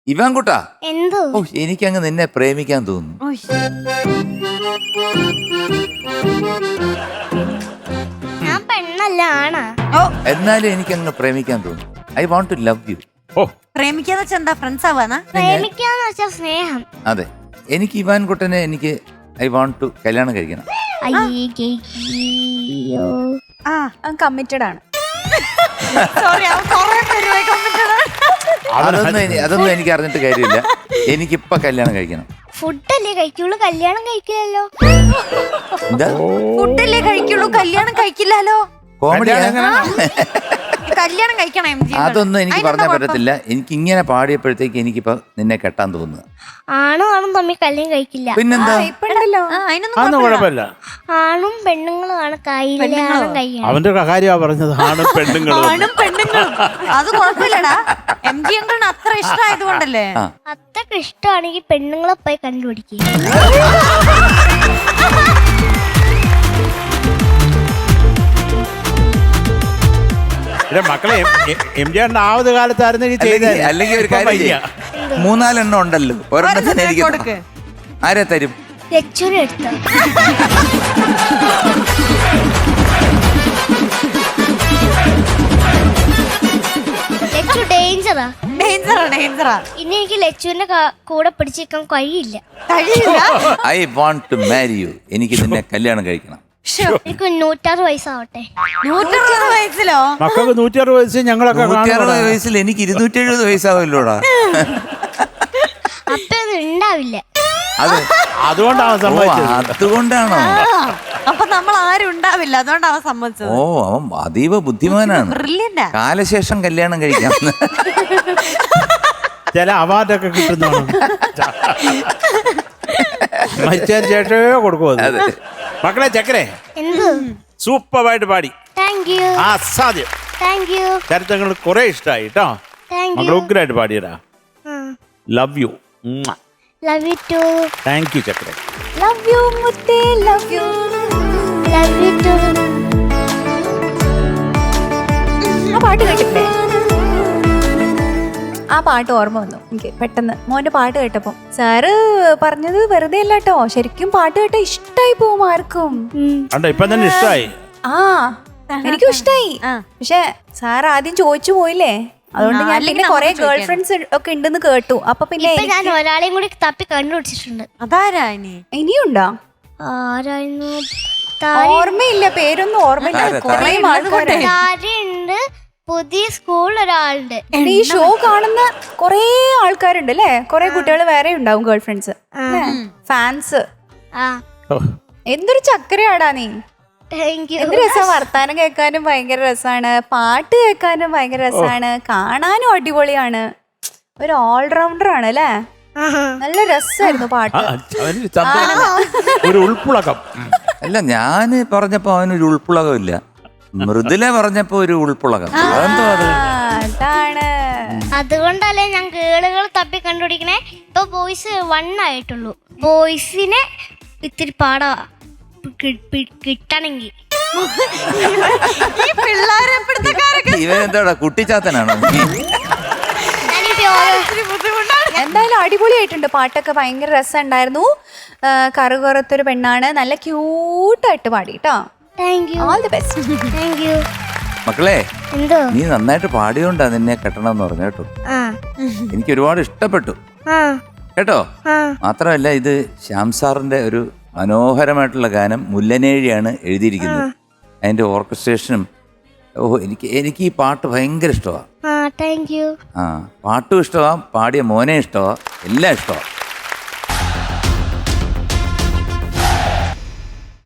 Ivan കുട്ടാ, എന്തോ ഓ എനിക്കങ്ങ് നിന്നെ പ്രേമിക്കാൻ തോന്നുന്നു. ഞാൻ പെണ്ണല്ല ആണാ. എന്നാലും എനിക്കങ്ങ് പ്രേമിക്കാൻ തോന്നുന്നു. I want to love you. ഓ പ്രേമിക്കാന്ന് വെച്ചാ എന്താ? ഫ്രണ്ട്സ് ആവാനാ? പ്രേമിക്കാന്ന് വെച്ചാ സ്നേഹം. അതെ, എനിക്ക് ഇവാൻ കുട്ടനെ എനിക്ക് ഐ വാണ്ട് ടു കല്യാണം കഴിക്കണം. അയ്യോ കമ്മിറ്റഡ് ആണ്. സോറി, അതൊന്നും എനിക്ക് അറിഞ്ഞിട്ട് കാര്യമില്ല. എനിക്കിപ്പൊ കല്യാണം കഴിക്കണം. ഫുഡല്ലേ കഴിക്കുള്ളൂ, കല്യാണം കഴിക്കില്ലല്ലോ. എന്താ ഫുഡല്ലേ കഴിക്കുള്ളൂ, കല്യാണം കഴിക്കില്ലല്ലോ. കോമഡി? കല്യാണം കഴിക്കണം MG. അതൊന്നും എനിക്ക് പറഞ്ഞാൽ പറ്റത്തില്ല. എനിക്ക് ഇങ്ങനെ പാടിയപ്പോഴത്തേക്ക് എനിക്കിപ്പോ നിന്നെ കെട്ടാൻ തോന്നുക. ആണും ആണും തമ്മിൽ കല്യാണം കഴിക്കില്ല. പിന്നെന്താ? അതൊന്നും കുഴപ്പമില്ല. ആണും പെണ്ണുങ്ങളും ആണ് കല്യാണം കഴിക്കണം. അവന്റെ കാര്യമാ പറഞ്ഞത്, ആണും പെണ്ണുങ്ങളും. ആണും പെണ്ണുങ്ങളും അത് കുഴപ്പമില്ലടാ. MG അങ്കിളിന് അത്ര ഇഷ്ടമായതുകൊണ്ടല്ലേ. അത്രക്ക് ഇഷ്ടമാണെങ്കിൽ പെണ്ണുങ്ങളെ പോയി കണ്ടുപിടിക്കുക. മക്കളെ MG ആവത് കാലത്തായിരുന്നെങ്കിൽ അല്ലെങ്കിൽ ഒരു കാര്യം, 3-4 ഉണ്ടല്ലോ, ഒരെണ്ണത്തിന് എനിക്ക് ആരെ തരും? ലക്ഷ്യം എടുത്ത ഡേഞ്ചറാ. ഡേഞ്ചറാ. ഇനി എനിക്ക് ലച്ചുവിന്റെ കൂടെ പിടിച്ചിരിക്കാൻ കഴിയില്ല. I want to marry you. എനിക്ക് നിന്നെ കല്യാണം കഴിക്കണം. എനിക്ക് 106 വയസ്സാവട്ടെ. 160 വയസ്സിലോ? മക്കൾക്ക് 160 വയസ്സ്, ഞങ്ങളൊക്കെ 160 വയസ്സിൽ എനിക്ക് 270 വയസ്സാവല്ലോടാ. അപ്പൊ അത് ഉണ്ടാവില്ല. അതുകൊണ്ടാണ് സമ്മതിച്ചത്. അതുകൊണ്ടാണോ? അപ്പൊ നമ്മൾ ആരും ഉണ്ടാവില്ല, അതുകൊണ്ടാണ് സമ്മതിച്ചത്. ഓ, അവൻ അതീവ ബുദ്ധിമാനാണ്. ബ്രില്യന്റാ. കാലശേഷം കല്യാണം കഴിക്കാം. ചില അവാർഡൊക്കെ കിട്ടുന്നതാണ്. മരിച്ചതിന് ശേഷമേ കൊടുക്കും. മക്കളെ ചക്കരെ എന്ത് സൂപ്പറായിട്ട് പാടി. Thank you. അസാധ്യം. Thank you. ചരിത്രങ്ങൾ കുറെ ഇഷ്ടമായി കേട്ടോ. മക്കൾ ഉഗ്രായിട്ട് പാടിയടാ. Love you. Love you too. Thank you ചക്കരെ. ലവ് യു മുത്തേ, love you. Love you too. ആ പാട്ട് കേട്ടില്ലേ? ആ പാട്ട് ഓർമ്മ വന്നു എനിക്ക് പെട്ടെന്ന്. മോന്റെ പാട്ട് കേട്ടപ്പോ സാറ് പറഞ്ഞത് വെറുതെ അല്ല കേട്ടോ, ശരിക്കും പാട്ട് കേട്ട ഇഷ്ടായി പോവും ആർക്കും. ഇപ്പൊ തന്നെ ഇഷ്ടമായി. ആ എനിക്കും ഇഷ്ടായി. പക്ഷെ സാർ ആദ്യം ചോദിച്ചു പോയില്ലേ, അതുകൊണ്ട് ഞാൻ പിന്നെ കൊറേ ഗേൾ ഫ്രണ്ട്സ് ഒക്കെ ഉണ്ടെന്ന് കേട്ടു. അപ്പൊ പിന്നെ ഞാൻ ഒരാളെയും കൂടി തപ്പി കണ്ടുപിടിച്ചിട്ടുണ്ട്. അതാരാ? ഇനിയുണ്ടോ? ആരായിരുന്നു? ഓർമ്മയില്ല, പേരൊന്നും ഓർമ്മയില്ല. താരയുണ്ട്, പുതിയ സ്കൂൾ ഒരാളുണ്ട്. ഈ ഷോ കാണുന്ന കൊറേ ആൾക്കാരുണ്ട് അല്ലേ? കൊറേ കുട്ടികൾ വേറെ ഉണ്ടാവും, ഗേൾ ഫ്രണ്ട്സ്, ഫാൻസ്. എന്തൊരു ചക്കരയാടാ നീ. എന്ത് രസം, വർത്താനം കേൾക്കാനും ഭയങ്കര രസാണ്, പാട്ട് കേൾക്കാനും ഭയങ്കര രസാണ്, കാണാനും അടിപൊളിയാണ്. ഒരു ഓൾറൗണ്ടർ ആണ് അല്ലേ? നല്ല രസമായിരുന്നു പാട്ട്. ഒരു ഉൾപ്പുളകം. അല്ല, ഞാന് പറഞ്ഞപ്പോ അവനൊരു ഉൾപ്പുളകം ഇല്ല, മൃദുല പറഞ്ഞപ്പോ ഒരു ഉൾപ്പുളകം. അതെന്തോ അത്? അതാണ്. അതുകൊണ്ടല്ലേ ഞാൻ കേളുകൾ തപ്പി കണ്ടുപിടിക്കണേ. ഇപ്പൊ ബോയ്സ് 1 ആയിട്ടുള്ളൂ. ബോയ്സിനെ ഇത്തിരി പാടാ കിട്ടണമെങ്കിൽ. ഇവനെന്താടാ കുട്ടിച്ചാത്തനാണോ? എന്തായാലും അടിപൊളിയായിട്ടുണ്ട് പാട്ടൊക്കെ, ഭയങ്കര രസമുണ്ടായിരുന്നു. കറുകുറത്തൊരു പെണ്ണാണ്, നല്ല ക്യൂട്ടായിട്ട് പാടി കേട്ടോ. All the best. Thank you. മക്കളെ, എന്തോ നീ നന്നായിട്ട് പാടിയോണ്ടാ നിന്നെ കെട്ടണം എന്ന് പറഞ്ഞു കേട്ടോ. എനിക്ക് ഒരുപാട് ഇഷ്ടപ്പെട്ടു കേട്ടോ. മാത്രമല്ല, ഇത് ശ്യാം സാറിന്റെ ഒരു മനോഹരമായിട്ടുള്ള ഗാനം മുല്ലനേഴിയാണ് എഴുതിയിരിക്കുന്നത്. അതിന്റെ ഓർക്കസ്ട്രേഷനും എനിക്ക് ഈ പാട്ട് ഭയങ്കര ഇഷ്ടമാണ്. Thank you. പാട്ടും ഇഷ്ടമാണ്, പാടിയ മോനെ ഇഷ്ടമാണ്, എല്ലാം ഇഷ്ടമാണ്.